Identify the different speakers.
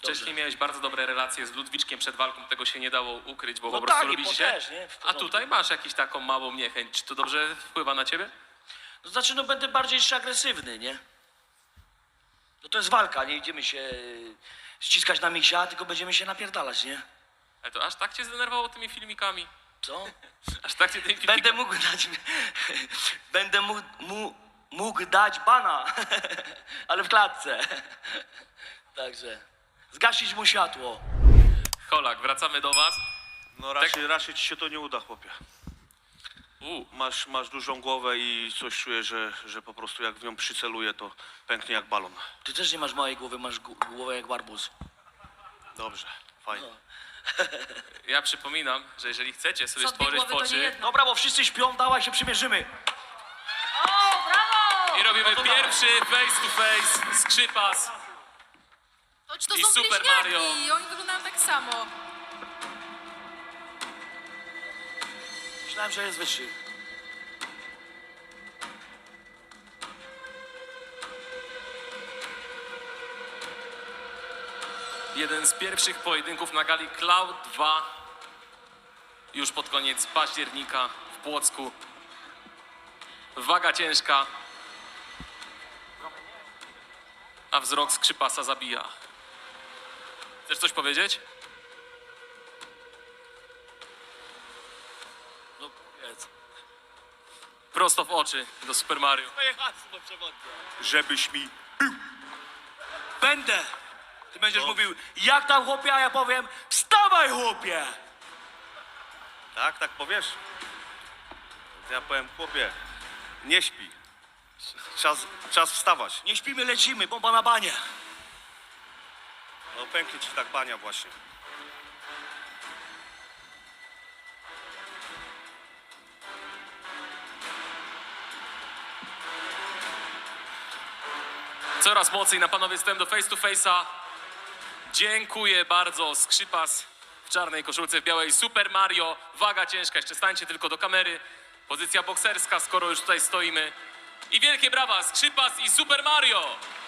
Speaker 1: wcześniej miałeś bardzo dobre relacje z Ludwiczkiem przed walką, tego się nie dało ukryć, bo
Speaker 2: No
Speaker 1: po prostu
Speaker 2: tak, i
Speaker 1: lubicie
Speaker 2: po
Speaker 1: się.
Speaker 2: też, nie? W
Speaker 1: A
Speaker 2: porządku.
Speaker 1: tutaj masz jakąś taką małą niechęć. Czy to dobrze wpływa na ciebie?
Speaker 2: To znaczy, no będę bardziej jeszcze agresywny, nie? No to jest walka, nie idziemy się ściskać na misia, tylko będziemy się napierdalać, nie?
Speaker 1: Ale to aż tak cię zdenerwowało tymi filmikami?
Speaker 2: Co?
Speaker 1: Aż tak cię tymi filmikami...
Speaker 2: Będę mógł dać... Będę mógł dać bana, ale w klatce. Także zgasić mu światło.
Speaker 1: Holak, wracamy do was.
Speaker 3: No raczej ci się to nie uda, chłopie. Masz dużą głowę i coś czuję, że po prostu jak w nią przyceluję, to pęknie jak balon.
Speaker 2: Ty też nie masz małej głowy, masz głowę jak barbuz.
Speaker 3: Dobrze, fajnie.
Speaker 1: Ja przypominam, że jeżeli chcecie sobie
Speaker 4: Co dwie
Speaker 1: stworzyć
Speaker 4: głowy, to nie
Speaker 1: oczy
Speaker 4: jedna.
Speaker 2: Dobra, bo wszyscy śpią, dawaj się przymierzymy.
Speaker 4: O, brawo!
Speaker 1: i robimy pierwszy face to face, skrzypas.
Speaker 4: To
Speaker 1: i
Speaker 4: są
Speaker 1: Super
Speaker 4: bliźniaki
Speaker 1: Mario.
Speaker 4: i oni wyglądają tak samo.
Speaker 2: Myślałem, że jest wyższy.
Speaker 1: Jeden z pierwszych pojedynków na gali Cloud 2 już pod koniec października w Płocku. Waga ciężka, a wzrok skrzypasa zabija. Chcesz coś powiedzieć?
Speaker 2: No powiedz.
Speaker 1: Prosto w oczy do Super Mario.
Speaker 2: Moje hasło przewodnie.
Speaker 3: Żebyś mi...
Speaker 2: Będę. Ty będziesz mówił, jak tam chłopie, a ja powiem, wstawaj chłopie.
Speaker 3: Tak powiesz? To ja powiem, chłopie, nie śpi. Czas wstawać.
Speaker 2: Nie śpimy, lecimy, bomba na banie.
Speaker 3: No pęknie ci tak bania właśnie.
Speaker 1: Coraz mocniej na panowie wstęp do face to face'a. Dziękuję bardzo. Skrzypas w czarnej koszulce, w białej. Super Mario. Waga ciężka. Jeszcze stańcie tylko do kamery. Pozycja bokserska, skoro już tutaj stoimy. I wielkie brawa. Skrzypas i Super Mario.